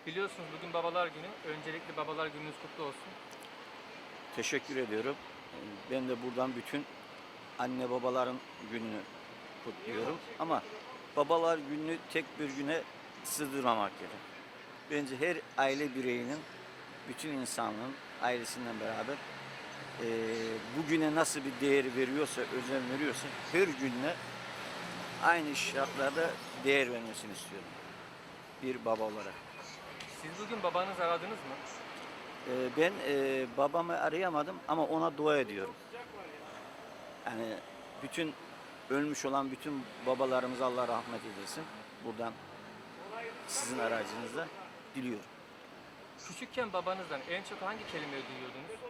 Biliyorsunuz bugün Babalar Günü. Öncelikle Babalar Gününüz kutlu olsun. Teşekkür ediyorum. Ben de buradan bütün anne babaların gününü kutluyorum. Ama babalar gününü tek bir güne sığdırmamak gerek. Bence her aile bireyinin, bütün insanlığın ailesinden beraber bugüne nasıl bir değer veriyorsa, özen veriyorsa her gününe aynı şartlarda değer vermesini istiyorum. Bir baba olarak. Siz bugün babanızı aradınız mı? Ben babamı arayamadım ama ona dua ediyorum. Yani bütün ölmüş olan bütün babalarımıza Allah rahmet eylesin. Buradan sizin aracınızla diliyorum. Küçükken babanızdan en çok hangi kelimeyi duyuyordunuz?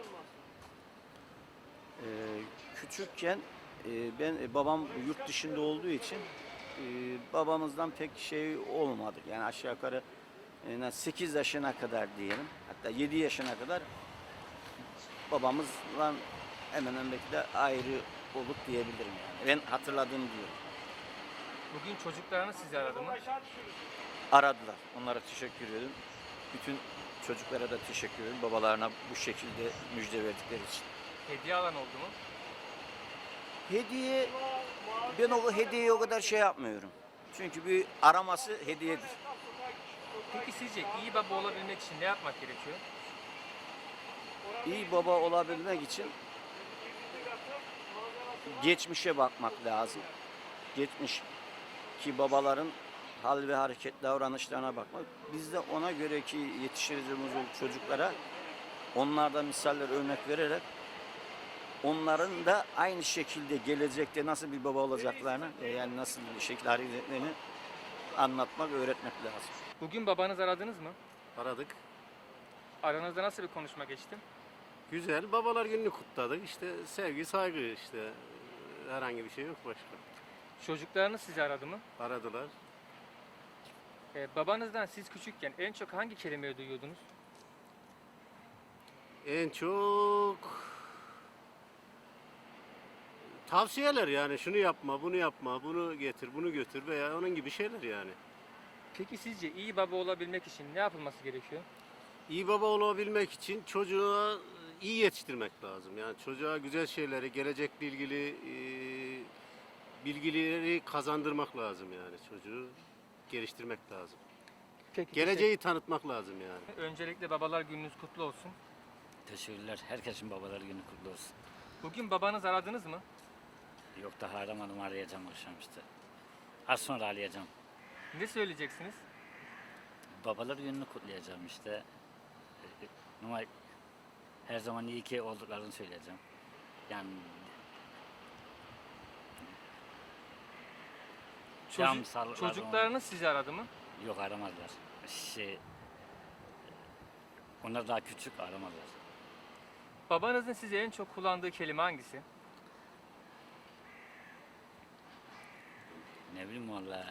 Ee, Küçükken babam yurt dışında olduğu için babamızdan pek şey olmadı. Yani aşağı yukarı 8 yaşına kadar diyelim. Hatta 7 yaşına kadar babamızla hemen hemen belki de ayrı olduk diyebilirim yani. Ben hatırladığım diyorum. Bugün çocuklarınız sizi aradı mı? Aradılar. Onlara teşekkür ediyorum. Bütün çocuklara da teşekkür ediyorum. Babalarına bu şekilde müjde verdikleri için. Hediye alan oldu mu? Hediye, ben o hediyeyi o kadar şey yapmıyorum. Çünkü bir araması hediyedir. Peki sizce iyi baba olabilmek için ne yapmak gerekiyor? İyi baba olabilmek için geçmişe bakmak lazım. Geçmiş ki babaların hal ve hareket davranışlarına bakmak. Biz de ona göre ki yetiştirdiğimiz o çocuklara onlardan misaller örnek vererek onların da aynı şekilde gelecekte nasıl bir baba olacaklarını yani nasıl bir şekilde hareket etmelerini anlatmak, öğretmek lazım. Bugün babanızı aradınız mı? Aradık. Aranızda nasıl bir konuşma geçti? Güzel. Babalar gününü kutladık. İşte sevgi, saygı işte. Herhangi bir şey yok başka. Çocuklarınız sizi aradı mı? Aradılar. Babanızdan siz küçükken en çok hangi kelimeyi duyuyordunuz? En çok tavsiyeler yani şunu yapma, bunu yapma, bunu getir, bunu götür veya onun gibi şeyler yani. Peki sizce iyi baba olabilmek için ne yapılması gerekiyor? İyi baba olabilmek için çocuğa iyi yetiştirmek lazım. Yani çocuğa güzel şeyleri, gelecekle ilgili bilgileri kazandırmak lazım yani. Çocuğu geliştirmek lazım. Peki, Geleceği tanıtmak lazım yani. öncelikle Babalar Gününüz kutlu olsun. Teşekkürler. Herkesin babalar günü kutlu olsun. Bugün babanızı aradınız mı? Yok daha aramadım, arayacağım akşam işte. Az sonra arayacağım. Ne söyleyeceksiniz? Babalar gününü kutlayacağım işte. Ama her zaman iyi ki olduklarını söyleyeceğim. Yani cam sağlıkları Çocuklarınız sizi aradı mı? yok aramadılar. Onlar daha küçük aramadılar. Babanızın size en çok kullandığı kelime hangisi? Ne bileyim valla.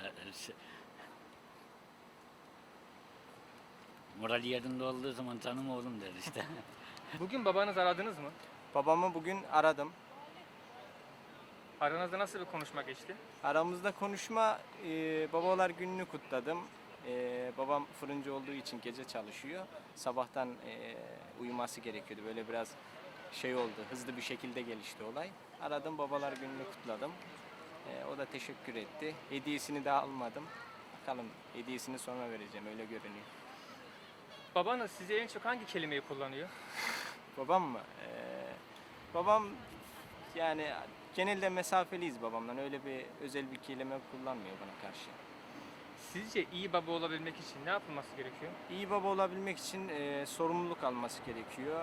Moral yerinde olduğu zaman canım oğlum der işte. Bugün babanızı aradınız mı? Babamı bugün aradım. Aranızda nasıl bir konuşma geçti? Aramızda konuşma, babalar gününü kutladım. Babam fırıncı olduğu için gece çalışıyor. Sabahtan uyuması gerekiyordu. Böyle biraz şey oldu, hızlı bir şekilde gelişti olay. Aradım, babalar gününü kutladım. O da teşekkür etti. Hediyesini de almadım. Bakalım hediyesini sonra vereceğim, öyle görünüyor. Babanız size en çok hangi kelimeyi kullanıyor? Babam mı? Babam yani genelde mesafeliyiz babamdan. Öyle bir özel bir kelime kullanmıyor bana karşı. Sizce iyi baba olabilmek için ne yapılması gerekiyor? İyi baba olabilmek için sorumluluk alması gerekiyor.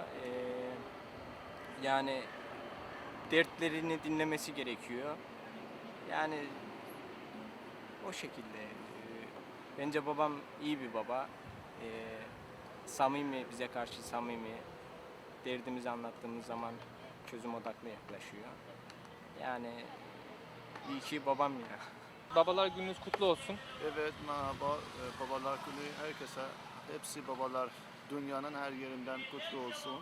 Yani dertlerini dinlemesi gerekiyor. Yani o şekilde. Bence babam iyi bir baba. Samimi, bize karşı samimi. Derdimizi anlattığımız zaman çözüm odaklı yaklaşıyor. Yani iyi ki babam ya. Babalar Gününüz kutlu olsun. Evet, merhaba. Babalar Günü herkese, hepsi babalar dünyanın her yerinden kutlu olsun.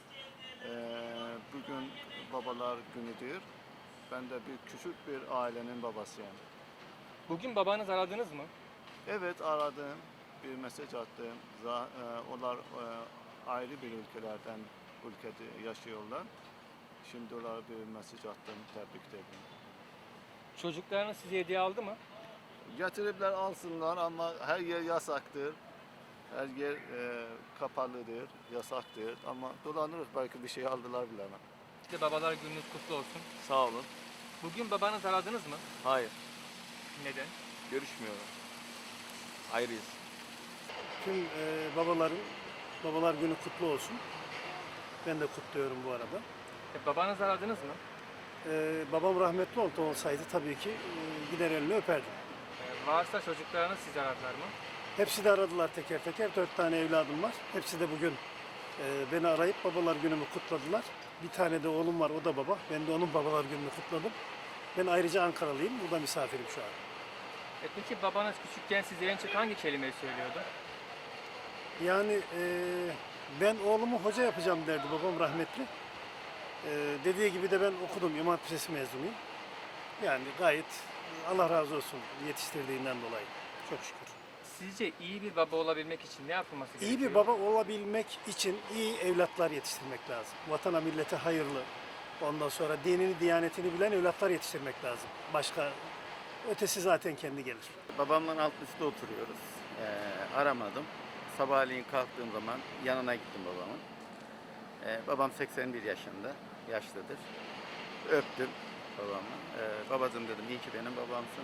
Bugün babalar günüdür. Ben de küçük bir ailenin babasıyım. Bugün babanızı aradınız mı? Evet, aradım. bir mesaj attım. Onlar ayrı bir ülkede yaşıyorlar. Şimdi onlara bir mesaj attım, tebrik ederim. Çocuklarınız size hediye aldı mı? Getiripler alsınlar ama her yer yasaktır. Her yer kapalıdır, yasaktır. Ama dolanırız, belki bir şey aldılar bilemem. Size babalar gününüz kutlu olsun. Sağ olun. Bugün babanızı aradınız mı? Hayır, Neden? görüşmüyorum. Ayrıyız. Tüm babalar günü kutlu olsun. Ben de kutluyorum bu arada. Babanızı aradınız mı? Babam rahmetli olsaydı tabii ki gider elini öperdim. Varsa çocuklarınız sizi aradılar mı? Hepsi de aradılar teker teker. 4 tane evladım var. Hepsi de bugün beni arayıp babalar günümü kutladılar. Bir tane de oğlum var, o da baba. Ben de onun babalar gününü kutladım. Ben ayrıca Ankaralıyım. Burada misafirim şu an. Peki babanız küçükken size en çok hangi kelimeyi söylüyordu? Yani ben oğlumu hoca yapacağım derdi babam rahmetli. Dediği gibi de ben okudum. İmam Hatip Lisesi mezunuyum. Yani gayet Allah razı olsun yetiştirdiğinden dolayı. Çok şükür. Sizce iyi bir baba olabilmek için ne yapılması gerekiyor? İyi bir baba olabilmek için iyi evlatlar yetiştirmek lazım. Vatana millete hayırlı, ondan sonra dinini, diyanetini bilen evlatlar yetiştirmek lazım. Başka ötesi zaten kendi gelir. Babamla alt üstte oturuyoruz. Aramadım. Sabahleyin kalktığım zaman yanına gittim babamın. Babam 81 yaşında, yaşlıdır. Öptüm babamı. Babacığım dedim, iyi ki benim babamsın.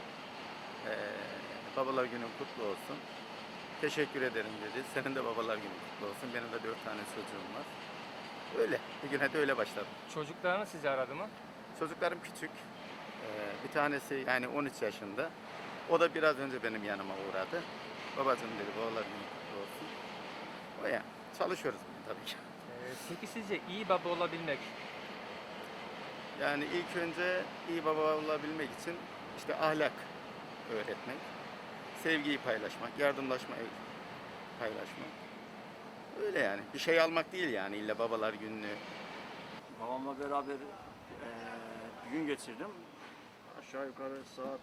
Babalar günün kutlu olsun. Teşekkür ederim dedi. Senin de babalar günün kutlu olsun. Benim de 4 tane çocuğum var. Öyle. Bugüne de öyle başladım. Çocuklarınız sizi aradı mı? Çocuklarım küçük. Bir tanesi yani 13 yaşında. O da biraz önce benim yanıma uğradı. Babacığım dedi, babalar günün kutlu olsun. O ya. Çalışıyoruz tabii ki. Peki sizce iyi baba olabilmek, Yani ilk önce iyi baba olabilmek için işte ahlak öğretmek, sevgiyi paylaşmak, yardımlaşmayı paylaşmak. Öyle yani. Bir şey almak değil yani illa babalar gününü. Babamla beraber bir gün geçirdim. Aşağı yukarı saat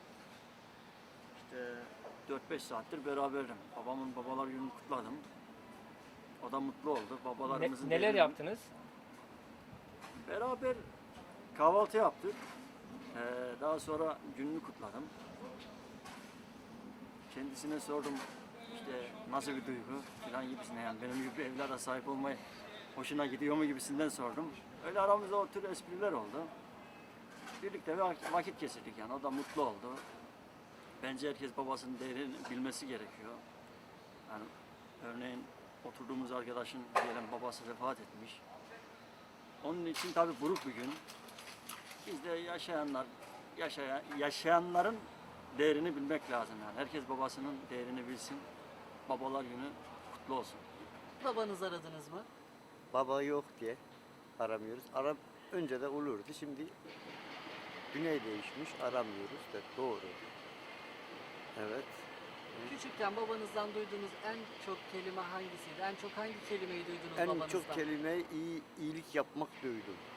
işte 4-5 saattir beraberdim. Babamın babalar gününü kutladım. O da mutlu oldu. Babalarımızın neler değerini- yaptınız? Beraber kahvaltı yaptık. Daha sonra gününü kutladım. Kendisine sordum işte nasıl bir duygu falan gibisine, yani benim gibi bir evlada sahip olmayı hoşuna gidiyor mu gibisinden sordum. Öyle aramızda o tür espriler oldu. Birlikte vakit geçirdik yani, o da mutlu oldu. Bence herkes babasının değerini bilmesi gerekiyor. Yani örneğin oturduğumuz arkadaşın diyelim babası vefat etmiş. Onun için tabii buruk bir gün. Biz de yaşayanların değerini bilmek lazım yani. Herkes babasının değerini bilsin. Babalar günü kutlu olsun. Babanızı aradınız mı? Baba yok diye aramıyoruz. Önce de olurdu. Şimdi dünya değişmiş. Aramıyoruz da doğru. Evet. Küçükken babanızdan duyduğunuz en çok kelime hangisiydi? En çok hangi kelimeyi duydunuz En babanızdan? çok kelime iyilik yapmak duydum.